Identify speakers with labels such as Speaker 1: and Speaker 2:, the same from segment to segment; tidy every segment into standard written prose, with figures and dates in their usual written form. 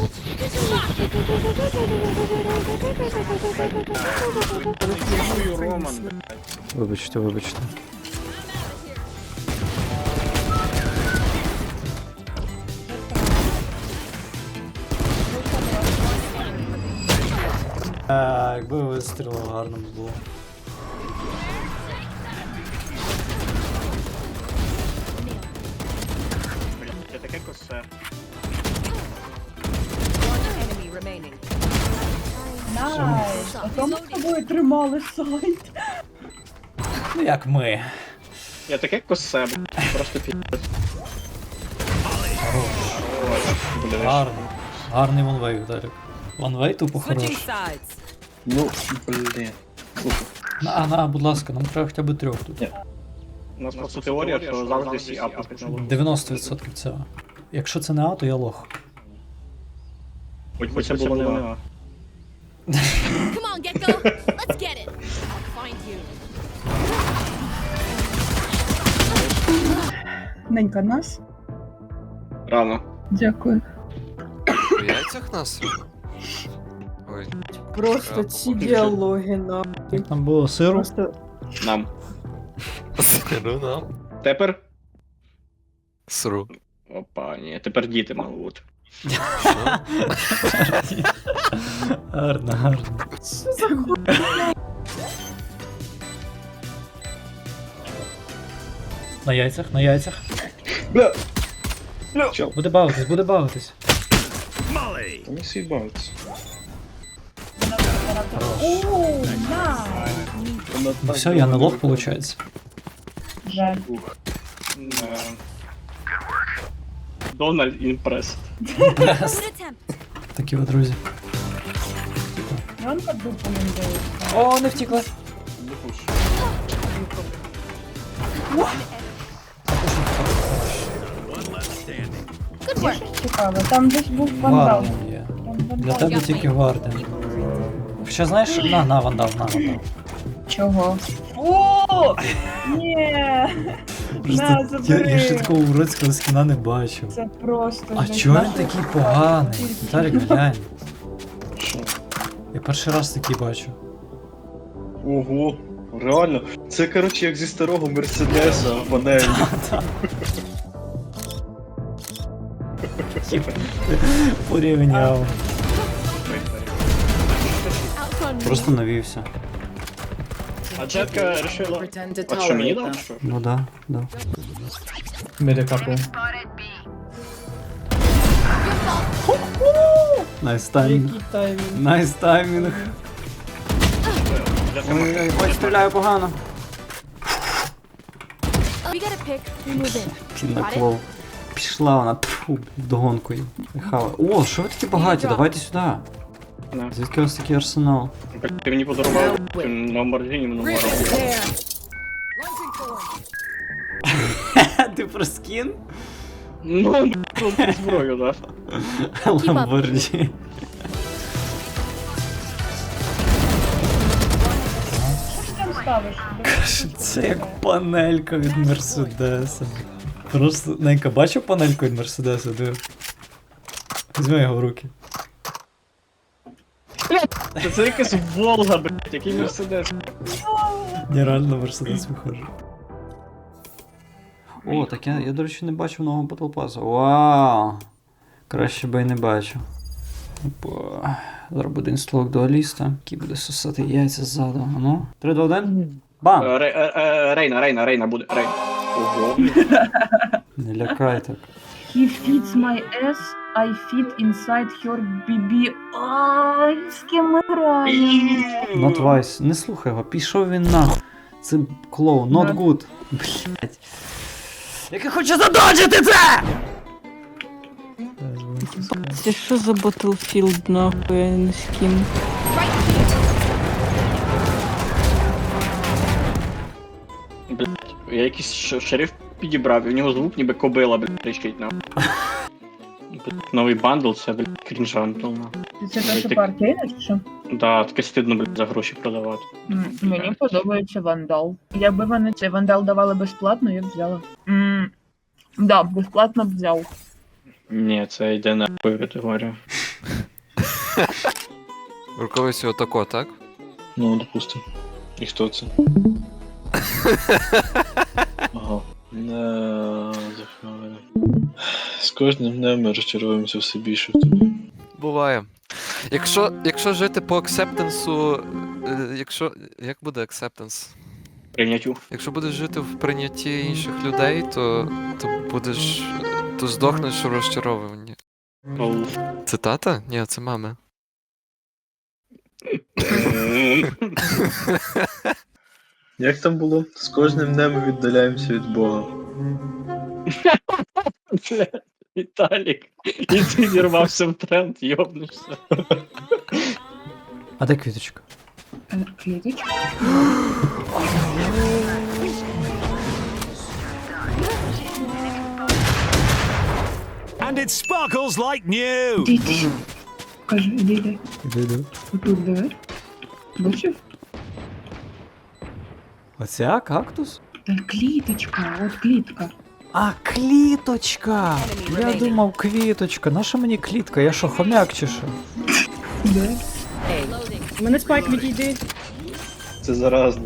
Speaker 1: Роман, блядь.
Speaker 2: Вибачте, вибачте. Якби вистрілив, гарно б було.
Speaker 1: Блядь, це таке косе.
Speaker 3: Найс! А то ми з тобою тримали сайт.
Speaker 2: Ну як ми.
Speaker 1: Я таке косе, блядь. Просто піздець. Блядь.
Speaker 2: Гарно. Гарний ванвей, Віталік. Ванвей тупо хороший.
Speaker 4: Switching sides.
Speaker 1: Ну, блін.
Speaker 2: На, будь ласка, нам треба хоча б 3 тут.
Speaker 1: У нас просто теорія, що завжди всі апи почали.
Speaker 2: 90% цього. Якщо це не А, то я лох.
Speaker 1: Хоч би це було не А.
Speaker 5: Come on, Gecko. Let's get it. I'll find you.
Speaker 3: Ненька нас.
Speaker 1: Рано.
Speaker 3: Дякую.
Speaker 6: В яйцях нас? Ой,
Speaker 3: Просто ці діалоги на.
Speaker 2: Як там було сиру?
Speaker 3: Просто
Speaker 1: Нам.
Speaker 6: сиру нам.
Speaker 1: Тепер?
Speaker 6: Сру.
Speaker 1: Опа, ні, тепер діти мали бути.
Speaker 2: Гарно, гарно.
Speaker 3: що за хуйня?
Speaker 2: На яйцях, на яйцях.
Speaker 1: Бля!
Speaker 2: Буде бавитись, буде бавитись.
Speaker 1: Та не сібавиться.
Speaker 3: Оу, найс!
Speaker 2: Ну все, я не лох, виходить.
Speaker 3: Жаль.
Speaker 1: Дональд імпрес.
Speaker 5: Good attempt.
Speaker 2: Такі от друзі.
Speaker 3: Янка дупу їм дає.
Speaker 2: О, не втікла.
Speaker 5: Good work.
Speaker 3: Цікаво, там десь був вандал.
Speaker 2: Варден є.
Speaker 3: Там
Speaker 2: Для
Speaker 3: вандал.
Speaker 2: тебе тільки Варден. Хоча знаєш, на вандал, на вандал.
Speaker 3: Чого? О! Ні! На,
Speaker 2: Я
Speaker 3: забери!
Speaker 2: ще такого уродського скіна не бачив.
Speaker 3: Це просто...
Speaker 2: А
Speaker 3: жесть.
Speaker 2: чого він
Speaker 3: Нащо
Speaker 2: такий
Speaker 3: це?
Speaker 2: поганий? Віталік, глянь.
Speaker 1: Що?
Speaker 2: Я перший раз такий бачу.
Speaker 7: Ого, реально. Це, коротше, як зі старого Мерседеса панель.
Speaker 2: Порівняв.
Speaker 5: Outrun me.
Speaker 2: Просто навівся.
Speaker 1: А Джетка решила...
Speaker 4: Pretend to
Speaker 1: А що, мені
Speaker 4: tolerate
Speaker 1: дав?
Speaker 4: them.
Speaker 1: Що?
Speaker 2: Ну да, да. Найс таймінг.
Speaker 3: Який таймінг?
Speaker 2: Найс таймінг. Ой, ой, стріляю погано.
Speaker 5: We get a pick. We move in.
Speaker 2: Пінаклов. Пішла вона, тьфу, вдогонкою. Хава. О, що ви такі багаті? Давайте сюди.
Speaker 1: На.
Speaker 2: Звідки у вас такий арсенал?
Speaker 1: Блядь, ти мені подарував Ламборджині
Speaker 4: Rip
Speaker 1: номером.
Speaker 4: is there.
Speaker 2: Ти про скін?
Speaker 1: Ну, блядь, зброю, да.
Speaker 2: Ламборджі.
Speaker 3: Що ти там ставиш?
Speaker 2: Це як панелька від Мерседеса. Просто, Ненька, бачив панельку від Мерседеса? Диви. Візьми його в руки.
Speaker 1: Це якась Волга, блядь, який Мерседес.
Speaker 2: Нереально Мерседес виходить. О, так я, до речі, не бачив нового Battle Pass. Вау! Краще би й не бачив. Опа. Зараз буде інстлог дуаліста, який буде сосати яйця ззаду. А ну, 3, 2, 1. Бам!
Speaker 1: Рейна буде, Рейна. Ого.
Speaker 2: Не лякай так.
Speaker 3: He feeds my ass, I feed inside her BB. Ай, з ким ми граємо?
Speaker 2: Not wise. Не слухай його, пішов він нахуй. Це клоун, not good. Блять. Який хоче задоджити це!
Speaker 8: Це що за Battlefield, нахуй, я не з ким.
Speaker 1: Блядь, я якийсь шериф підібрав, і в нього звук ніби кобила, блядь, тріщить на. Новий бандл, це, блядь, крінжантл, на.
Speaker 3: Це те, що партійне, чи що?
Speaker 1: Да, таке стидно, блядь, за гроші продавати.
Speaker 3: Мені подобається вандал. Якби вони цей вандал давали безплатно, я б взяла. Да, безплатно б взяв.
Speaker 1: Ні, це йде на категорію.
Speaker 6: Рукавицю отако, так?
Speaker 7: Ну, допустим. І хто це? Ага. Захвалили. З кожним днем ми розчаровуємося все більше в тобі.
Speaker 6: Буває. Якщо жити по акцептансу. Як буде акцептанс?
Speaker 1: Прийняттю.
Speaker 6: Якщо будеш жити в прийнятті інших людей, то будеш. То здохнеш у розчарованні. Цитата? Ні, це мами.
Speaker 7: Як там було? З кожним днем ми віддаляємося від Бога.
Speaker 1: Бля, Віталік, і ти вірвався в тренд, йобнешся.
Speaker 2: А де квіточка?
Speaker 3: Клеточка.
Speaker 4: And it sparkles like new!
Speaker 3: Іди. Кажи, іди.
Speaker 2: Іду.
Speaker 3: Тут двері. Бачив?
Speaker 2: Оця кактус?
Speaker 3: Та кліточка, от клітка.
Speaker 2: А, кліточка! Я думав, квіточка. Наша мені клітка? Я що, хомяк чи що?
Speaker 3: Де?
Speaker 8: У мене спайк відійди.
Speaker 7: Це заразно.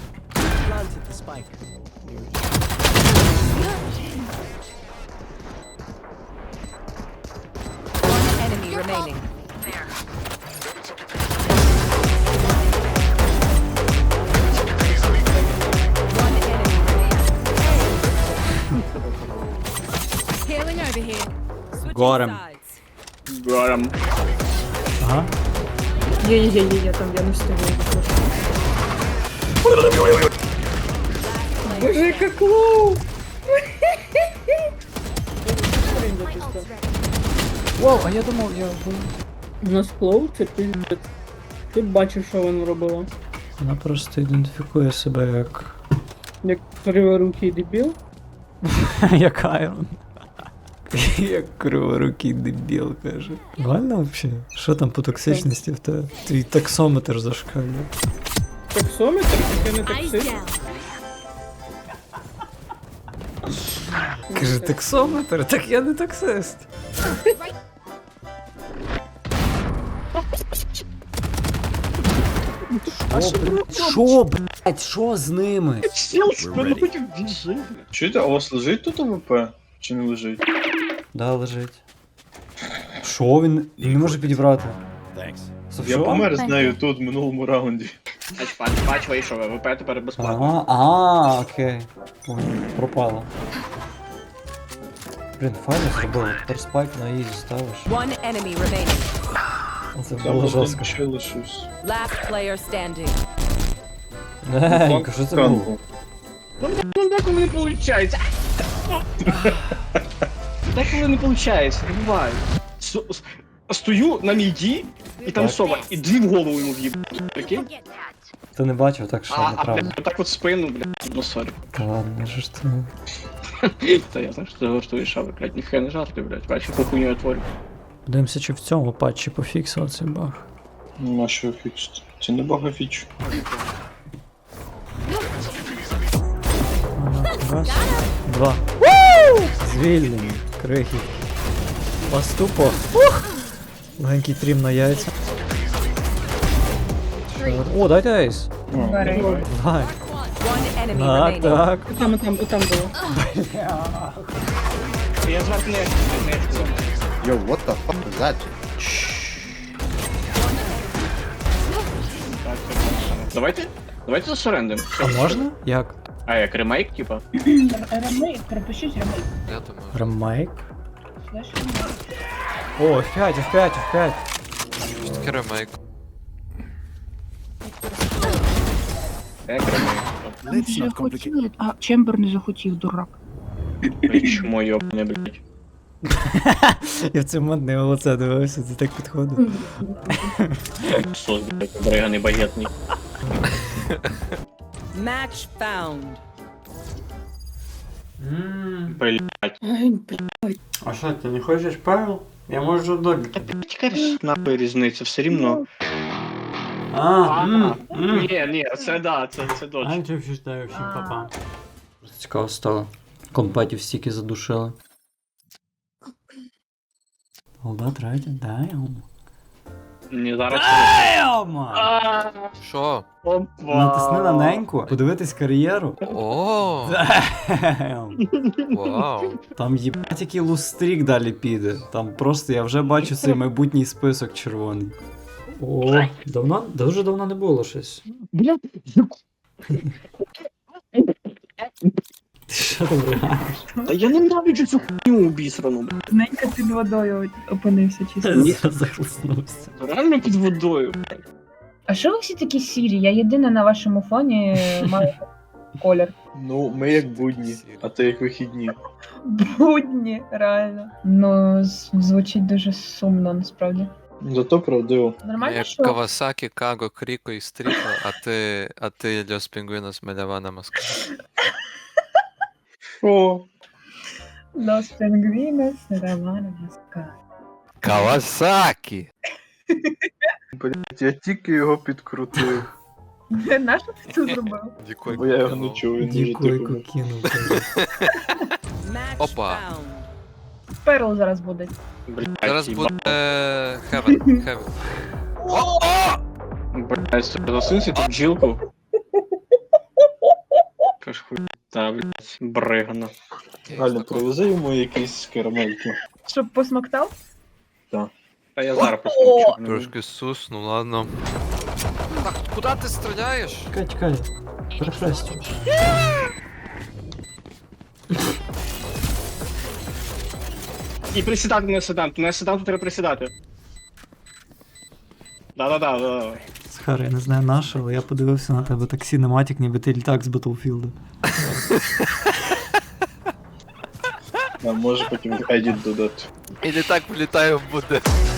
Speaker 5: Enemy remaining. One enemy remaining. Healing over here. Switching
Speaker 2: Горем.
Speaker 5: sides.
Speaker 1: Гором.
Speaker 2: Ага.
Speaker 8: Є, там я не встигаю. Боже, яка клоу!
Speaker 2: Вау, а я думав,
Speaker 8: У нас клоу, це пиздець. Ти б бачив, що вона робила.
Speaker 2: Вона просто ідентифікує себе як...
Speaker 8: Як криворукий дебіл.
Speaker 2: як Айрон. Як криворукий дебіл, каже. Реально вообще? Що там по токсичності в тебе? Твій таксометр зашкалює.
Speaker 8: Таксометр, таке не
Speaker 5: Eyes
Speaker 8: таксист.
Speaker 5: down.
Speaker 2: Каже, таксометр? Так я не таксист. Що, блядь, що з ними?
Speaker 1: Сіл спину хотів біжи.
Speaker 7: Чуєте, а у вас лежить тут АВП? Чи не лежить?
Speaker 2: Да, лежить. Що він? Він не може підібрати.
Speaker 7: Я помер з нею тут в минулому раунді.
Speaker 1: Пач вийшов, ВП тепер безплатно.
Speaker 2: Ага, окей. Ой, пропало. Блін, файно зробили. Тепер спайк на ізі ставиш.
Speaker 9: One enemy remaining.
Speaker 2: Це
Speaker 7: Там
Speaker 2: було
Speaker 7: один
Speaker 2: жорстко.
Speaker 7: ще лишився.
Speaker 9: Last player standing.
Speaker 2: Ненько, що це було?
Speaker 1: Ну деколи не виходить. Деколи не виходить, не буває. Стою на міді, і там
Speaker 2: Так.
Speaker 1: сова, і дві в голову йому в'їб. Прикинь?
Speaker 2: Ти не бачив, так що неправда.
Speaker 1: блядь, отак от в спину, блядь, ну сорі.
Speaker 2: Та ладно, що ж ти.
Speaker 1: Та я знаю, що ти жартуєш, а ви, блядь, ніхай не жарти, блядь, бачиш, яку хуйню я творю.
Speaker 2: Подивимося, чи в цьому патчі пофіксили цей баг.
Speaker 7: Нема що фічити. Це не бага фіч.
Speaker 2: Ага, раз, два. Звільнені, крихи. Поступо. Легенький трім на яйця. О, дайте ейс.
Speaker 3: Бери.
Speaker 2: Давай.
Speaker 9: One enemy
Speaker 2: Так,
Speaker 9: remaining.
Speaker 2: так.
Speaker 8: Отам було.
Speaker 1: Я зварт не
Speaker 10: Yo, what the fuck was that?
Speaker 1: Давайте засорендим.
Speaker 2: А можна? Як?
Speaker 1: А як ремейк, типа?
Speaker 3: Ремейк, пропишіть ремейк.
Speaker 6: Я думаю.
Speaker 2: Ремейк?
Speaker 3: Слеш ремейк.
Speaker 2: О, F5, F5, F5.
Speaker 6: Що таке ремейк?
Speaker 1: Як ремейк?
Speaker 3: Там вже хотіли, а Чембер не захотів, дурак.
Speaker 1: Чому йобне, блядь?
Speaker 2: Я в цей момент на його лице дивився, це так підходить.
Speaker 1: Сос, блядь, бриганий багетний.
Speaker 9: Match found.
Speaker 1: Блядь.
Speaker 8: Ай, блядь.
Speaker 2: А що, ти не хочеш Павел? Я можу долі.
Speaker 1: Та блядь, яка нахуй різниця, все рівно. Ні, це дочь.
Speaker 2: Антів вітаю всім, папа. Цікаво стало. Компетів стільки задушили. All that right, damn.
Speaker 1: Ні, зараз.
Speaker 2: Damn!
Speaker 6: Що?
Speaker 1: Опа.
Speaker 2: Натисни на неньку, подивитись кар'єру.
Speaker 6: О,
Speaker 2: Damn!
Speaker 6: вау.
Speaker 2: Там їбать який лустрік далі піде. Там просто я вже бачу цей майбутній список червоний. О, дуже давно не було щось.
Speaker 1: Блядь,
Speaker 2: Ти що там реагуєш?
Speaker 1: та я ненавиджу цю хуйню обісрану, блядь.
Speaker 3: Ненька під водою опинився чисто.
Speaker 2: Захлиснувся.
Speaker 1: Реально під водою.
Speaker 3: А що ви всі такі сірі? Я єдина на вашому фоні маю колір.
Speaker 7: Ну, ми як будні, а ти як вихідні.
Speaker 3: Будні, реально. Ну, звучить дуже сумно, насправді.
Speaker 7: Зато правдиво.
Speaker 3: Нормально,
Speaker 6: Як
Speaker 3: що?
Speaker 6: Кавасакі, Каго, Кріко і Стріко, а ти Льос Пінгвінос Мелявана Москва.
Speaker 7: О,
Speaker 3: Los Pingüinos Романа Москва.
Speaker 6: Кавасакі!
Speaker 7: блядь, я тільки його підкрутив.
Speaker 3: Нащо ти це зробив?
Speaker 6: Дікой
Speaker 7: Бо я його не чув, він дуже
Speaker 2: Дікойку
Speaker 7: тихо.
Speaker 2: кинув.
Speaker 9: Match
Speaker 6: Опа.
Speaker 9: found.
Speaker 3: Перл зараз буде.
Speaker 1: Блядь,
Speaker 6: Зараз
Speaker 1: їба.
Speaker 6: буде Хевен.
Speaker 1: Блядь, засунься ту бджілку. Каш хуй. Та, блядь, бригана.
Speaker 7: Галя, привези йому якісь карамельки.
Speaker 3: Щоб посмоктав?
Speaker 1: Та я зараз
Speaker 3: О!
Speaker 1: просто.
Speaker 6: Трошки сус, ну ладно. Так, куди ти стріляєш?
Speaker 2: Чекай, перехрестю.
Speaker 1: І присідати не седант. Не седанту треба присідати. Да.
Speaker 2: Схар, я не знаю наше, але я подивився на тебе так синематик, ніби ти літак з Battlefield.
Speaker 7: А може потім едіт додати.
Speaker 6: І не так влітаю в буде.